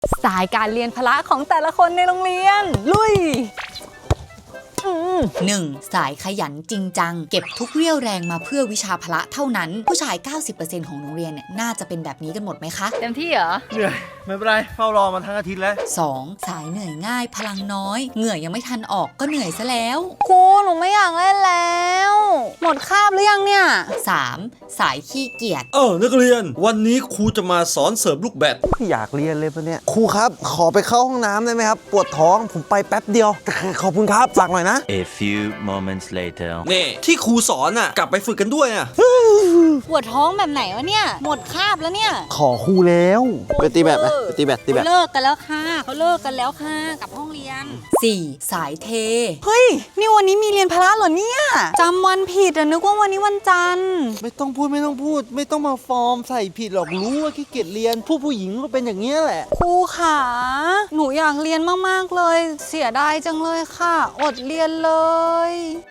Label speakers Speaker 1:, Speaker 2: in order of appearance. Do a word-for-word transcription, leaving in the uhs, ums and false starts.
Speaker 1: สายการเรียนพละของแต่ละคนในโรงเรียนลุย
Speaker 2: หนึ่งสายขยันจริงจังเก็บทุกเรี่ยวแรงมาเพื่อวิชาพละเท่านั้นผู้ชาย เก้าสิบเปอร์เซ็นต์ ของโรงเรียนเนี่ยน่าจะเป็นแบบนี้กันหมดไหมคะ
Speaker 1: เต็มที่เหรอ
Speaker 3: เหนื่อยไม่เป็นไรเฝ้ารอมาทั้งอาทิตย์แล้ว
Speaker 2: สองสายเหนื่อยง่ายพลังน้อยเหงื่อยังไม่ทันออกก็เหนื่อยซะแล้ว
Speaker 1: ครูหนูไม่อยากเล่นแล้วหมดคาบหรือยังเนี่ย
Speaker 2: สามสายขี้เกียจ
Speaker 4: เออนักเรียนวันนี้ครูจะมาสอนเสริมลูกแบด
Speaker 3: อยากเรียนเลยปะเนี่ยครูครับขอไปเข้าห้องน้ำได้ไหมครับปวดท้องผมไปแป๊บเดียวขอบคุณครับฝากหน่อยนะ
Speaker 5: A few moments later
Speaker 4: นี่ที่ครูสอนอ่ะกลับไปฝึกกันด้วยอ่ะ
Speaker 1: ปวดท้องแบบไหนวะเนี่ยหมดคาบแล้วเนี่ย
Speaker 3: ขอครูแล้วไปตีแบดไหมไปตีแบดตีแบด
Speaker 1: เลิกกันแล้วค่ะเขาเลิกกันแล้วค่ะกับห้องเรียน
Speaker 2: สี่สายเท
Speaker 1: เฮ้ยนี่วันนี้มีเรียนพละเหรอเนี่ยจำวันผิดอะนึกว่าวันนี้วันจันทร์
Speaker 3: ไม่ต้องพูดไม่ต้องพูด ไม่ต้องมาฟอร์มใส่ผิดหรอกรู้ว่าขี้เกียจเรียนผู้ผู้หญิงก็เป็นอย่างนี้แหละ
Speaker 1: ครูขาหนูอยากเรียนมากๆเลยเสียดายจังเลยค่ะอดเรียนเลย